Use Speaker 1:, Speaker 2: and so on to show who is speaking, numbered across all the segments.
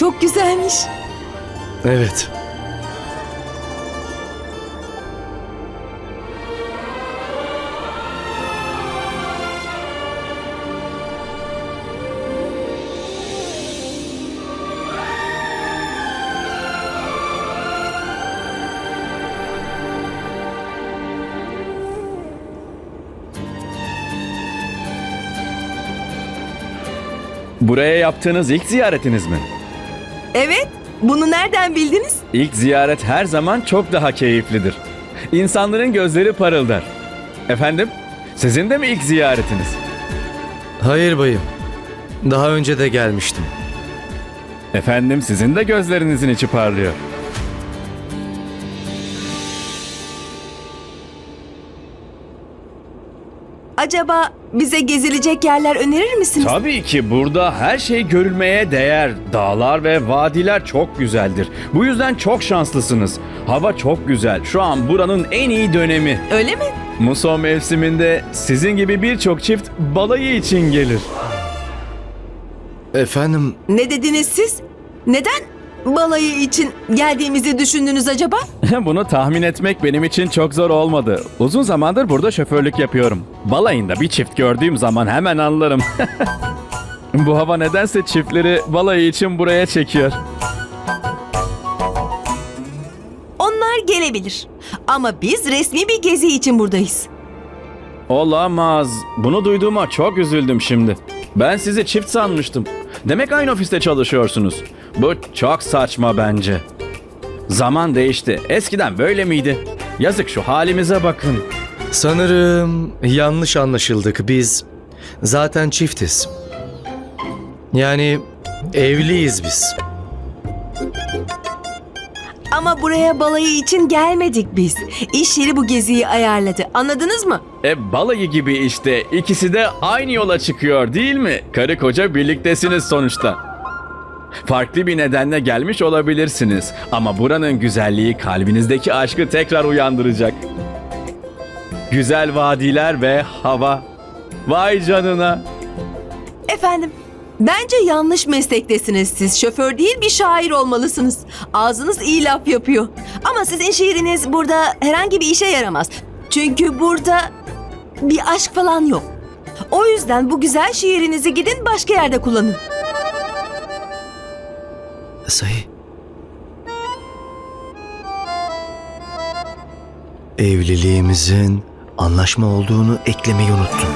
Speaker 1: çok güzelmiş.
Speaker 2: Evet.
Speaker 3: Buraya yaptığınız ilk ziyaretiniz mi?
Speaker 1: Evet, bunu nereden bildiniz?
Speaker 3: İlk ziyaret her zaman çok daha keyiflidir. İnsanların gözleri parıldar. Efendim, sizin de mi ilk ziyaretiniz?
Speaker 2: Hayır bayım. Daha önce de gelmiştim.
Speaker 3: Efendim, sizin de gözlerinizin içi parlıyor.
Speaker 1: Acaba bize gezilecek yerler önerir misiniz?
Speaker 3: Tabii ki burada her şey görülmeye değer. Dağlar ve vadiler çok güzeldir. Bu yüzden çok şanslısınız. Hava çok güzel. Şu an buranın en iyi dönemi.
Speaker 1: Öyle mi?
Speaker 3: Muson mevsiminde sizin gibi birçok çift balayı için gelir.
Speaker 2: Efendim,
Speaker 1: Ne dediniz siz? Neden balayı için geldiğimizi düşündünüz acaba?
Speaker 3: Bunu tahmin etmek benim için çok zor olmadı. Uzun zamandır burada şoförlük yapıyorum. Balayında bir çift gördüğüm zaman hemen anlarım. Bu hava nedense çiftleri balayı için buraya çekiyor.
Speaker 1: Onlar gelebilir. Ama biz resmi bir gezi için buradayız.
Speaker 3: Olamaz. Bunu duyduğuma çok üzüldüm şimdi. Ben sizi çift sanmıştım. Demek aynı ofiste çalışıyorsunuz. Bu çok saçma bence. Zaman değişti. Eskiden böyle miydi? Yazık, şu halimize bakın.
Speaker 2: sanırım yanlış anlaşıldık. Biz zaten çiftiz. Yani evliyiz biz.
Speaker 1: Ama buraya balayı için gelmedik biz. İş yeri bu geziyi ayarladı. Anladınız mı?
Speaker 3: Balayı gibi işte. İkisi de aynı yola çıkıyor değil mi? Karı koca birliktesiniz sonuçta. Farklı bir nedenle gelmiş olabilirsiniz. Ama buranın güzelliği kalbinizdeki aşkı tekrar uyandıracak. Güzel vadiler ve hava. Vay canına.
Speaker 1: Efendim, bence yanlış meslektesiniz siz. Şoför değil, bir şair olmalısınız. Ağzınız iyi laf yapıyor. Ama sizin şiiriniz burada herhangi bir işe yaramaz. Çünkü burada bir aşk falan yok. O yüzden bu güzel şiirinizi gidin başka yerde kullanın.
Speaker 2: Sayı. Evliliğimizin anlaşma olduğunu eklemeyi unuttum.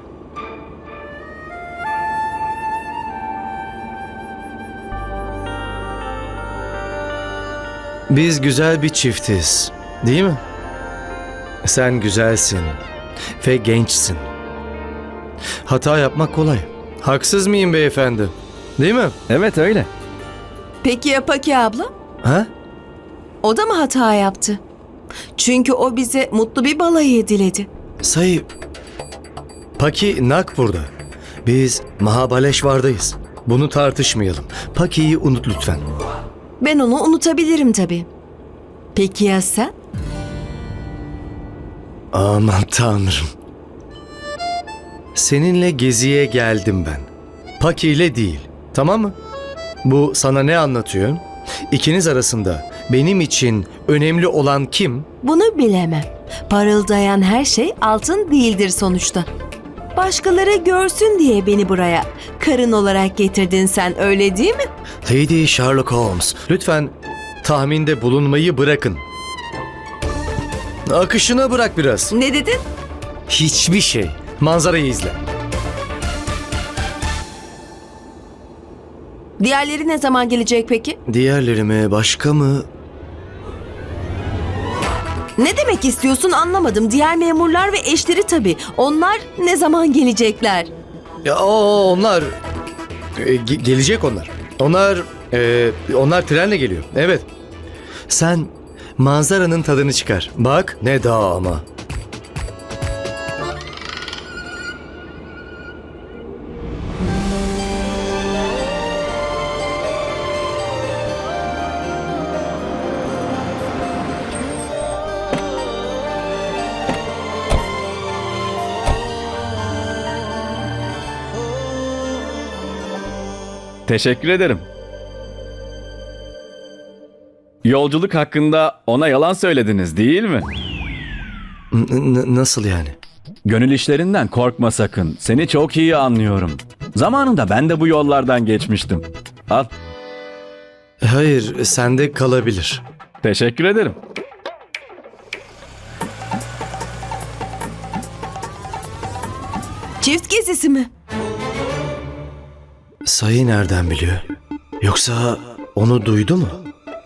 Speaker 2: Biz güzel bir çiftiz, değil mi? Sen güzelsin ve gençsin. Hata yapmak kolay. Haksız mıyım beyefendi? Değil mi?
Speaker 3: Evet öyle.
Speaker 1: Peki ya Paki abla?
Speaker 2: Ha?
Speaker 1: O da mı hata yaptı? Çünkü o bize mutlu bir balayı diledi.
Speaker 2: Sayı, Paki Nagpur'da. Biz Mahabaleşvar'dayız. Bunu tartışmayalım. Paki'yi unut lütfen.
Speaker 1: Ben onu unutabilirim tabii. Peki ya sen?
Speaker 2: Aman tanrım. Seninle geziye geldim ben. Paki ile değil. Tamam mı? Bu sana ne anlatıyor? İkiniz arasında benim için önemli olan kim?
Speaker 1: Bunu bilemem. Parıldayan her şey altın değildir sonuçta. Başkaları görsün diye beni buraya karın olarak getirdin sen, öyle değil mi?
Speaker 2: Lady Sherlock Holmes. Lütfen tahminde bulunmayı bırakın. Akışına bırak biraz.
Speaker 1: Ne dedin?
Speaker 2: Hiçbir şey. Manzarayı izle.
Speaker 1: Diğerleri ne zaman gelecek peki?
Speaker 2: Diğerlerime başka mı?
Speaker 1: Ne demek istiyorsun anlamadım. Diğer memurlar ve eşleri tabii. Onlar ne zaman gelecekler?
Speaker 2: Ya onlar gelecek onlar. Onlar trenle geliyor. Evet. Sen manzaranın tadını çıkar. Bak ne dağ ama.
Speaker 3: Teşekkür ederim. Yolculuk hakkında ona yalan söylediniz değil mi?
Speaker 2: Nasıl yani?
Speaker 3: Gönül işlerinden korkma sakın. Seni çok iyi anlıyorum. Zamanında ben de bu yollardan geçmiştim. Al.
Speaker 2: Hayır, sende kalabilir.
Speaker 3: Teşekkür ederim.
Speaker 1: Çift gezisi mi?
Speaker 2: Sayı nereden biliyor? Yoksa onu duydu mu?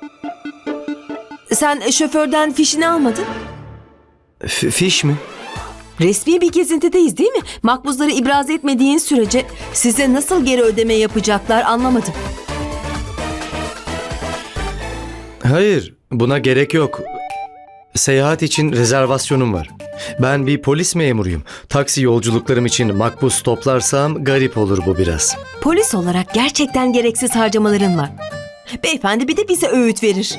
Speaker 1: Sen şoförden fişini almadın.
Speaker 2: Fiş mi?
Speaker 1: Resmi bir gezintideyiz değil mi? Makbuzları ibraz etmediğin sürece size nasıl geri ödeme yapacaklar anlamadım.
Speaker 2: Hayır, buna gerek yok. Seyahat için rezervasyonum var. Ben bir polis memuruyum. Taksi yolculuklarım için makbuz toplarsam garip olur bu biraz.
Speaker 1: Polis olarak gerçekten gereksiz harcamaların var. Beyefendi bir de bize öğüt verir.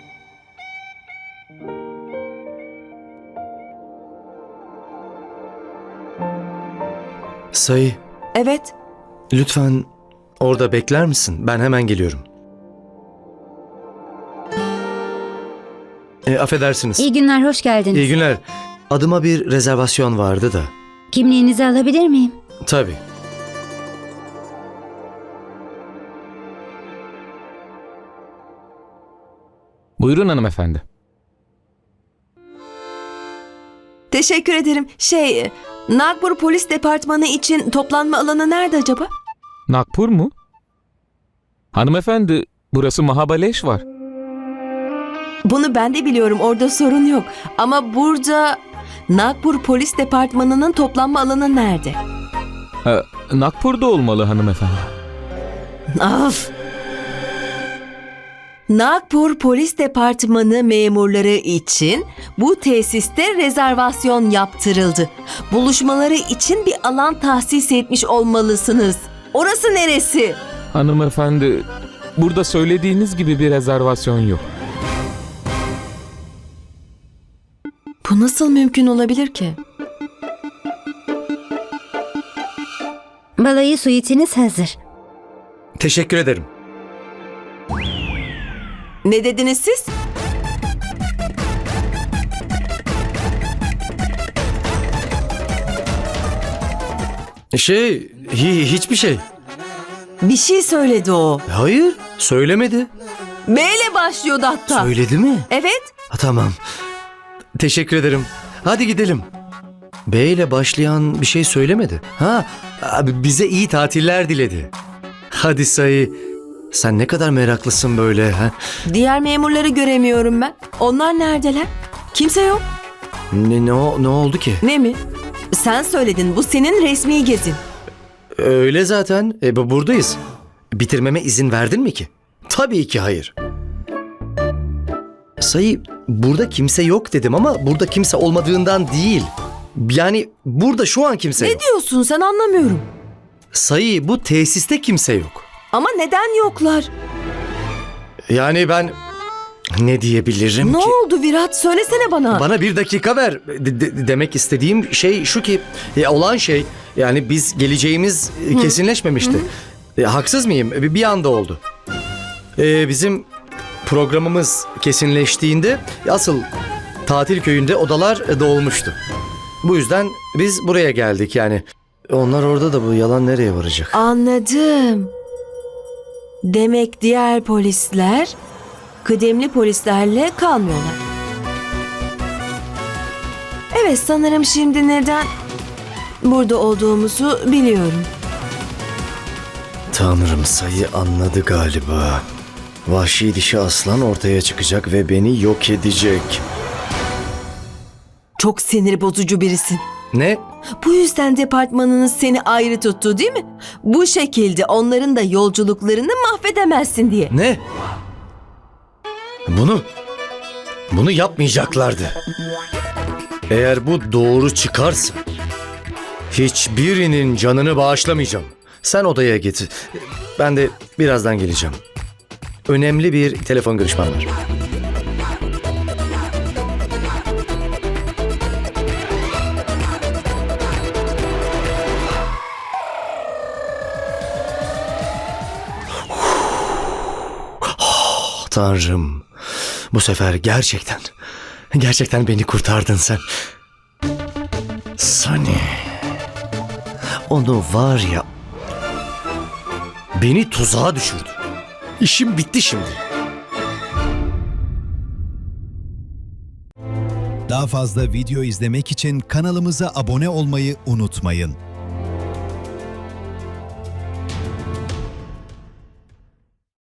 Speaker 2: Sayı,
Speaker 1: Evet.
Speaker 2: lütfen orada bekler misin? Ben hemen geliyorum. Affedersiniz.
Speaker 4: İyi günler, hoş geldiniz.
Speaker 2: İyi günler. Adıma bir rezervasyon vardı da.
Speaker 4: Kimliğinizi alabilir miyim?
Speaker 2: Tabii.
Speaker 5: Buyurun hanımefendi.
Speaker 1: Teşekkür ederim. Nagpur Polis Departmanı için toplanma alanı nerede acaba?
Speaker 5: Nagpur mu? Hanımefendi, burası Mahabaleş var.
Speaker 1: Bunu ben de biliyorum, orada sorun yok. Ama burada Nagpur Polis Departmanı'nın toplanma alanı nerede?
Speaker 5: Nagpur'da olmalı hanımefendi.
Speaker 1: Af! Nagpur Polis Departmanı memurları için bu tesiste rezervasyon yaptırıldı. Buluşmaları için bir alan tahsis etmiş olmalısınız. Orası neresi?
Speaker 5: Hanımefendi, burada söylediğiniz gibi bir rezervasyon yok.
Speaker 1: Bu nasıl mümkün olabilir ki?
Speaker 4: Balayı suitiniz hazır.
Speaker 2: Teşekkür ederim.
Speaker 1: Ne dediniz siz?
Speaker 2: Hiçbir şey.
Speaker 1: Bir şey söyledi o.
Speaker 2: Hayır, söylemedi.
Speaker 1: B ile başlıyordu hatta.
Speaker 2: Söyledi mi?
Speaker 1: Evet.
Speaker 2: Tamam. Teşekkür ederim. Hadi gidelim. B ile başlayan bir şey söylemedi. Abi bize iyi tatiller diledi. Hadi Sayı. Sen ne kadar meraklısın böyle ha?
Speaker 1: Diğer memurları göremiyorum ben. Onlar neredeler? Kimse yok.
Speaker 2: Ne oldu ki?
Speaker 1: Ne mi? Sen söyledin, bu senin resmi gezin.
Speaker 2: Öyle zaten. Buradayız. Bitirmeme izin verdin mi ki? Tabii ki hayır. Sayı, burada kimse yok dedim ama burada kimse olmadığından değil. Yani burada şu an kimse
Speaker 1: Ne
Speaker 2: yok.
Speaker 1: diyorsun sen, anlamıyorum.
Speaker 2: Sayı, bu tesiste kimse yok.
Speaker 1: Ama neden yoklar?
Speaker 2: Yani ben ne diyebilirim
Speaker 1: Ne
Speaker 2: ki?
Speaker 1: oldu Virat? Söylesene bana.
Speaker 2: Bana bir dakika ver. Demek istediğim şey şu ki olan şey, yani biz geleceğimiz kesinleşmemişti. Haksız mıyım? Bir anda oldu. Bizim programımız kesinleştiğinde asıl tatil köyünde odalar dolmuştu. Bu yüzden biz buraya geldik yani. Onlar orada da bu yalan nereye varacak?
Speaker 1: Anladım. Demek diğer polisler kıdemli polislerle kalmıyorlar. Evet, sanırım şimdi neden burada olduğumuzu biliyorum.
Speaker 2: Tanrım, Sayı anladı galiba. Vahşi dişi aslan ortaya çıkacak ve beni yok edecek.
Speaker 1: Çok sinir bozucu birisin.
Speaker 2: Ne?
Speaker 1: Bu yüzden departmanınız seni ayrı tuttu değil mi? Bu şekilde onların da yolculuklarını mahvedemezsin diye.
Speaker 2: Ne? Bunu yapmayacaklardı. Eğer bu doğru çıkarsa hiçbirinin canını bağışlamayacağım. Sen odaya git. Ben de birazdan geleceğim. Önemli bir telefon görüşmem var. Tanrım. Bu sefer gerçekten beni kurtardın sen. Sunny. Onu var ya, beni tuzağa düşürdü. İşim bitti şimdi.
Speaker 6: Daha fazla video izlemek için kanalımıza abone olmayı unutmayın.